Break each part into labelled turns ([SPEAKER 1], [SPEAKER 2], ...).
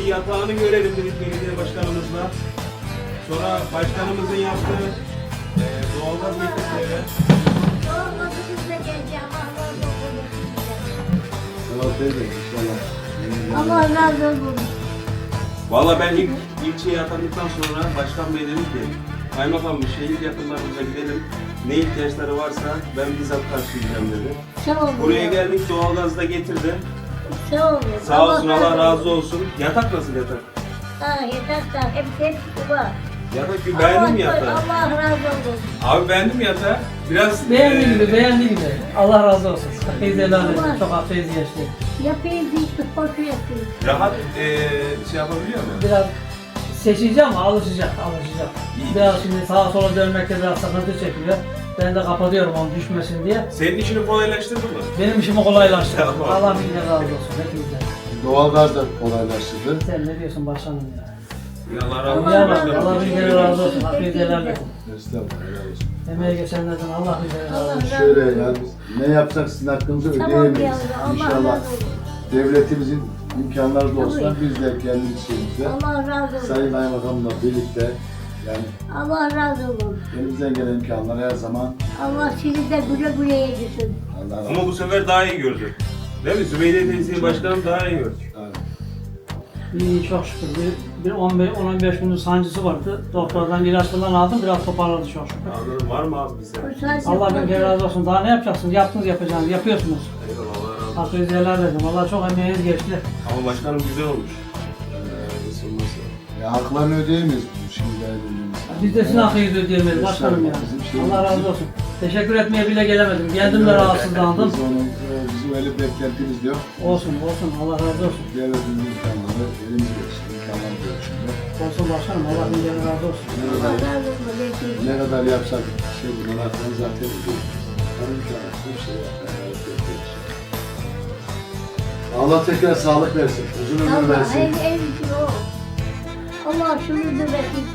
[SPEAKER 1] bir yatağını görelim dedik belediye başkanımızla. Sonra başkanımızın yaptığı doğalgaz getirdiği.
[SPEAKER 2] Doğalgazı biz de geleceğim. Allah razı olsun.
[SPEAKER 1] Valla ben ilk ilçeye atandıktan sonra başkan bey dedi ki kaymakam şehir yakınlarımıza gidelim. Ne ihtiyaçları varsa ben bizzat karşılayacağım dedi.
[SPEAKER 2] Sağ olun.
[SPEAKER 1] Buraya geldik, doğalgazı da getirdi.
[SPEAKER 2] Sağ olun.
[SPEAKER 1] Sağ olsun, Allah razı olsun. Yatak nasıl yatak?
[SPEAKER 2] Ha yataklar hepsi var.
[SPEAKER 1] Yatak gibi beğendin mi yatağı?
[SPEAKER 2] Allah razı olsun.
[SPEAKER 1] Abi beğendin mi yatağı? Biraz
[SPEAKER 3] Beğendi gibi. Allah razı olsun. Hakkıyı helal edin. Çok hafif geçti.
[SPEAKER 2] Yapayım işte hoşu yapayım.
[SPEAKER 1] rahat şey yapabiliyor mu?
[SPEAKER 3] Biraz seçeceğim ama alışacak.
[SPEAKER 1] İyi.
[SPEAKER 3] Biraz şimdi sağa sola dönmekte biraz sıkıntı çekiyor. Ben de kapatıyorum onu düşmesin diye.
[SPEAKER 1] Senin işini kolaylaştırdı mı?
[SPEAKER 3] Benim işimi kolaylaştırdı.
[SPEAKER 1] Tamam.
[SPEAKER 3] Allah bin kere razı olsun. Hepinize.
[SPEAKER 4] Doğalgaz da kolaylaştırdı.
[SPEAKER 3] Sen ne diyorsun başkanım ya?
[SPEAKER 1] Allah razı olsun.
[SPEAKER 3] Ya bak,
[SPEAKER 1] başkanım.
[SPEAKER 3] Allah bin kere razı olsun. Hakkıyı helal edin.
[SPEAKER 4] Estağfurullah, helal olsun.
[SPEAKER 3] Emeği geçenlerden Allah bin kere razı
[SPEAKER 2] Allah
[SPEAKER 3] olsun.
[SPEAKER 2] razı olsun.
[SPEAKER 4] Şöyle yani biz ne yapsak sizin hakkınızı
[SPEAKER 2] Tamam
[SPEAKER 4] ödeyemeyiz.
[SPEAKER 2] yavrum. Allah
[SPEAKER 4] İnşallah
[SPEAKER 2] razı olsun.
[SPEAKER 4] devletimizin imkanları da olsa
[SPEAKER 2] Tabii.
[SPEAKER 4] biz de kendi şeyimizde
[SPEAKER 2] Allah razı olsun.
[SPEAKER 4] Sayın Kaymakam'la birlikte yani
[SPEAKER 2] Allah razı olsun.
[SPEAKER 4] elimizden gelen imkanlar her zaman
[SPEAKER 2] Allah sizi de güle güle yedirsin.
[SPEAKER 4] Allah razı
[SPEAKER 1] Ama
[SPEAKER 4] olsun.
[SPEAKER 1] bu sefer daha iyi gördü. Değil mi? Zübeyde teyzeyi başkanım daha iyi gördü.
[SPEAKER 4] Evet.
[SPEAKER 3] İyi çok şükür. Bir 10-15 günün sancısı vardı. Doktordan ilaç falan aldım. Biraz toparladı çok şükür.
[SPEAKER 1] Anladım. Var mı abi bize?
[SPEAKER 3] Allah bin kere razı olsun. Daha ne yapacaksınız? Yaptınız yapacağınız. Yapıyorsunuz.
[SPEAKER 1] Eyvallah, Allah razı olsun.
[SPEAKER 3] Hakkınızı helal edin. Valla çok emeğiniz geçti.
[SPEAKER 1] Ama başkanım güzel olmuş. Nasıl?
[SPEAKER 4] Ya haklarını ödeyemeyiz bu şimdi belirlediğimiz.
[SPEAKER 3] Biz de sizin hakkınızı ödeyemeyiz başkanım ya.
[SPEAKER 4] Bizim şeyimiz
[SPEAKER 3] Allah razı olsun. Teşekkür etmeye bile gelemedim. Geldim de rahatsızlandım.
[SPEAKER 4] Bizim öyle bir beklentimiz yok.
[SPEAKER 3] Olsun olsun. Allah razı olsun.
[SPEAKER 4] Devletin imkanları elimizde işte imkanlar görüşünde.
[SPEAKER 3] Olsun başkanım. Allah bin kere razı olsun.
[SPEAKER 2] Allah razı olsun. Hepinize.
[SPEAKER 4] Ne kadar yapsak şey bunlar hakkını zaten ödüyoruz. Her imkanı bir şey yapıyoruz. Allah tekrar sağlık versin, uzun ömür
[SPEAKER 2] Allah
[SPEAKER 4] versin.
[SPEAKER 2] en iyisi o. Allah şunu da versin.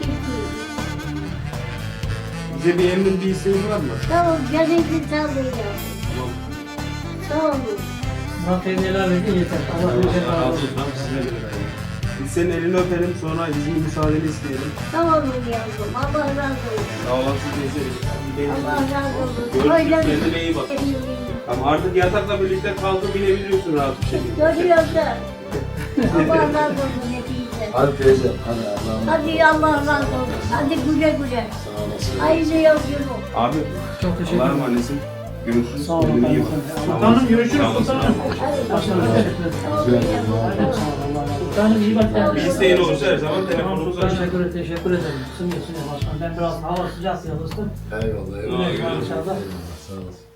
[SPEAKER 1] Bize bir emrin bir isteğin var mı?
[SPEAKER 2] Tamam canınızı sağlayın.
[SPEAKER 1] Tamam.
[SPEAKER 2] Sağ olun.
[SPEAKER 3] Hakkınızı helal edin yeter. Allah bin kere
[SPEAKER 1] Allah
[SPEAKER 3] razı
[SPEAKER 1] razı
[SPEAKER 3] olsun.
[SPEAKER 1] olsun. Sizinle birlikte. Biz senin elini öpelim, sonra izin müsaadeni isteyelim.
[SPEAKER 2] Tamam yavrum. Allah razı olsun.
[SPEAKER 1] Sağ olasın teyze.
[SPEAKER 2] Allah razı olsun.
[SPEAKER 1] Görüşürüz, kendine iyi bak. Ama artık yatakla birlikte kaldı, binebiliyorsun rahat bir şekilde.
[SPEAKER 2] Görüyorsun. Allah razı olsun hepinize.
[SPEAKER 4] Hadi teyze, hadi Allah'ım.
[SPEAKER 2] Hadi Allah razı olsun. Hadi güle güle.
[SPEAKER 4] Sağ olasın.
[SPEAKER 2] Hayırlı yolculuk.
[SPEAKER 1] Abi,
[SPEAKER 3] Çok teşekkür
[SPEAKER 1] Allah'a
[SPEAKER 3] ederim.
[SPEAKER 1] emanetsin. Görüşürüz.
[SPEAKER 3] Sağ olun.
[SPEAKER 1] Kendine iyi bak.
[SPEAKER 3] Sultanım görüşürüz.
[SPEAKER 1] Sağ olasın.
[SPEAKER 3] Sultanım. Başkanım teşekkür ederim.
[SPEAKER 2] Sağ olun
[SPEAKER 4] Güzel,
[SPEAKER 2] yavrum.
[SPEAKER 4] Allah razı olsun.
[SPEAKER 3] Sultanım iyi bak kendine.
[SPEAKER 1] Bir isteğin olursa her zaman
[SPEAKER 3] Tamam
[SPEAKER 1] telefonumuzu
[SPEAKER 3] Sultan
[SPEAKER 1] aç.
[SPEAKER 3] teşekkür ederim. Isınıyor başkanım. Ben biraz hava sıcak yalnızdım.
[SPEAKER 4] Eyvallah,
[SPEAKER 3] Güle güle
[SPEAKER 4] eyvallah.
[SPEAKER 3] inşallah.
[SPEAKER 4] Sağ olasın.